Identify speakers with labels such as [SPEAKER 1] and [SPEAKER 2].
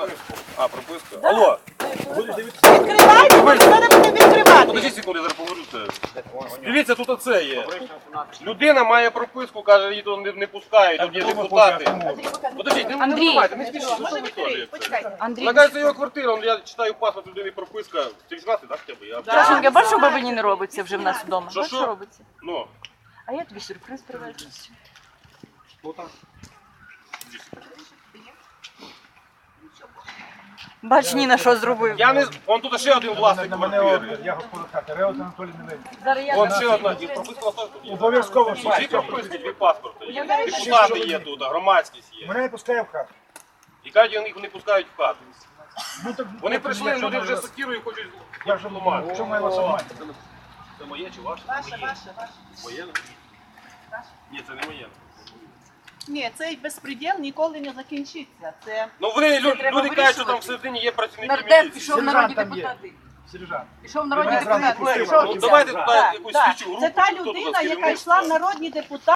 [SPEAKER 1] А, прописка. Алло,
[SPEAKER 2] Відкривайте, бо ніхто не буде відкривати.
[SPEAKER 1] подожди секунду, я зараз поговорю це. Дивіться, тут оце є. Людина має прописку, каже, її тут не пускають, тут є депутати. Подождіть, не вбивайте, не спішіть, що ви теж.
[SPEAKER 2] Андрій,
[SPEAKER 1] Вона каже, це його квартира, я читаю паспорт людини, прописка. Ти 18, так, хоча б? Я...
[SPEAKER 2] Сашенька, бачиш, що бабині не робиться вже в нас вдома?
[SPEAKER 1] Що,
[SPEAKER 2] Бачиш,
[SPEAKER 1] що?
[SPEAKER 2] робиться?
[SPEAKER 1] Ну.
[SPEAKER 2] А я тобі сюрприз привезла. Бач, Ніна, що зробив.
[SPEAKER 1] Я не... Вон тут ще один власник
[SPEAKER 3] На мене
[SPEAKER 1] квартири.
[SPEAKER 3] я господар хати, Реут Анатолій Милевич.
[SPEAKER 2] Зараз я
[SPEAKER 1] Вон ще одна. І прописка осталась тут є.
[SPEAKER 3] Обов'язково
[SPEAKER 1] Дві прописки, дві паспорти є. Депутати є тут, громадськість є.
[SPEAKER 3] Мене не пускає в хату.
[SPEAKER 1] І кажуть, їх не пускають в хату.
[SPEAKER 3] Ну, так,
[SPEAKER 1] Вони
[SPEAKER 3] так,
[SPEAKER 1] прийшли,
[SPEAKER 3] якщо
[SPEAKER 1] люди
[SPEAKER 3] не
[SPEAKER 1] вже
[SPEAKER 3] раз-
[SPEAKER 1] сокирою і хочуть
[SPEAKER 3] Я вже
[SPEAKER 1] ламати.
[SPEAKER 3] в чому я вас обманю?
[SPEAKER 1] Це моє чи ваше? Ваше. Моє? Ні, це не моє.
[SPEAKER 4] Ні, цей безпреділ ніколи не закінчиться. Це
[SPEAKER 1] Ну вони,
[SPEAKER 2] треба
[SPEAKER 1] люди кажуть, що там
[SPEAKER 2] вирішувати.
[SPEAKER 1] всередині є працівники
[SPEAKER 2] Нардеп
[SPEAKER 1] міліції.
[SPEAKER 2] пішов народні
[SPEAKER 3] Сержант там є.
[SPEAKER 2] депутати.
[SPEAKER 3] Сержант.
[SPEAKER 2] Пішов народні
[SPEAKER 3] Мене зразу
[SPEAKER 2] депутати.
[SPEAKER 3] пустили.
[SPEAKER 2] Що
[SPEAKER 1] Ну
[SPEAKER 2] обіцяв?
[SPEAKER 1] давайте туди
[SPEAKER 4] Так,
[SPEAKER 1] якусь
[SPEAKER 4] так.
[SPEAKER 1] слідчу групу.
[SPEAKER 4] Це та
[SPEAKER 1] чи хто тут
[SPEAKER 4] людина, яка
[SPEAKER 1] керівництво.
[SPEAKER 4] йшла в народні депутати.